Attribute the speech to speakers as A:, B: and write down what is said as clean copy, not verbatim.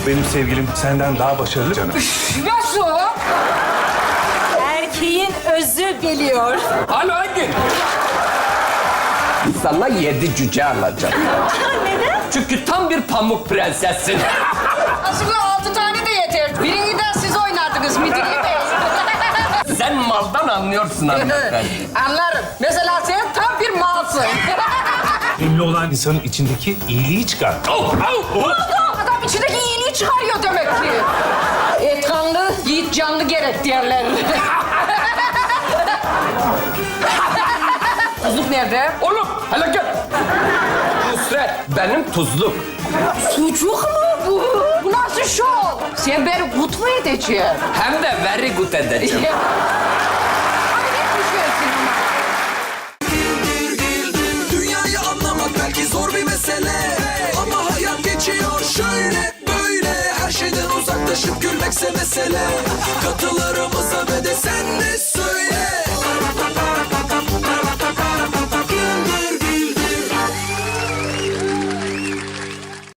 A: Benim sevgilim senden daha başarılı canım.
B: Nasıl?
C: Erkeğin özü geliyor.
D: Alo Engin. Sana 7 cüce alacağım.
C: Neden?
D: Çünkü tam bir pamuk prensessin.
B: Aslında 6 tane de yeter. Birini de siz oynardınız Midilli Bey.
D: Sen maldan anlıyorsun hanımefendi.
B: Anlarım. Mesela sen tam bir malsın.
A: Ünlü olan insanın içindeki iyiliği çıkar.
B: Adam içindeki iyiliği çıkarıyor demek ki. Et kanlı, yiğit canlı gerek derler. Tuzluk nerede?
D: Oğlum hele gel. Nusret benim tuzluk.
B: Sucuk mu bu? Bu nasıl şov? Sen beni kut mu edeceksin?
D: Hem de very good edeceğim.
B: Hayret düşüyorsun ama.
E: Dünyayı anlamak belki zor bir mesele, ama hayat geçiyor şöyle böyle. Her şeyden uzaklaşıp gülmekse mesele. Katılarımıza ve de sen de